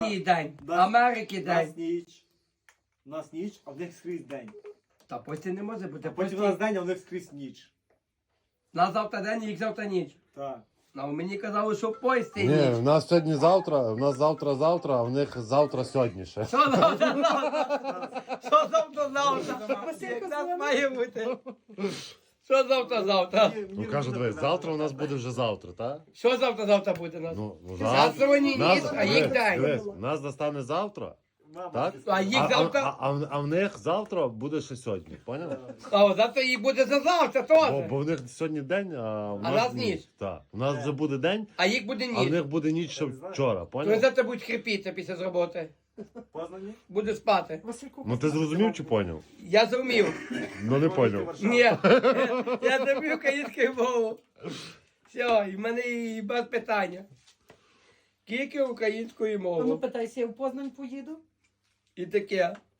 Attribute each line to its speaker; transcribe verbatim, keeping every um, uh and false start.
Speaker 1: день,
Speaker 2: Нас-
Speaker 1: Америки
Speaker 2: У нас
Speaker 1: день.
Speaker 2: ніч. У нас ніч, а в них скрізь день.
Speaker 1: Та потім не може бути.
Speaker 2: Потім у
Speaker 1: Потім
Speaker 2: нас день, а в них скрізь ніч.
Speaker 1: на завтра день, їх завтра ніч.
Speaker 2: Так.
Speaker 1: А мені казали, що поїсти
Speaker 3: Ні,
Speaker 1: ніч.
Speaker 3: в нас сьогодні завтра, в нас завтра завтра, а в них завтра сьогодні ще.
Speaker 1: Що завтра завтра? Що завтра завтра? Як нас має бути? Що завтра завтра?
Speaker 3: Ну кажу, дивись, завтра у нас буде вже завтра, так?
Speaker 1: Що завтра завтра буде у нас?
Speaker 3: Ну, ну
Speaker 1: Завтра вони ніч, а їх
Speaker 3: дивись,
Speaker 1: день.
Speaker 3: дивись, у нас настане завтра, так?
Speaker 1: А їх
Speaker 3: А,
Speaker 1: завтра-
Speaker 3: а, а, в- а в них завтра буде ще сьогодні, поняв?
Speaker 1: А завтра їх буде за завтра
Speaker 3: Бо,
Speaker 1: теж.
Speaker 3: бо в них сьогодні день, а в
Speaker 1: А
Speaker 3: нас
Speaker 1: нас
Speaker 3: ніч.
Speaker 1: ніч.
Speaker 3: Так. У нас вже буде день,
Speaker 1: А їх буде
Speaker 3: а в
Speaker 1: ніч.
Speaker 3: них буде ніч ще вчора,
Speaker 1: Вони
Speaker 3: поняв?
Speaker 1: завтра будуть хрипіти після роботи.
Speaker 2: Познані?
Speaker 1: Буде спати.
Speaker 3: Ну ти зрозумів чи поняв?
Speaker 1: Я зрозумів.
Speaker 3: Ну не поняв.
Speaker 1: Ні, я зрозумів українською мову. Все, і в мене і без питання. Тільки українською
Speaker 4: Ну,
Speaker 1: мовою.
Speaker 4: питайся, я в Познань поїду.
Speaker 1: І таке.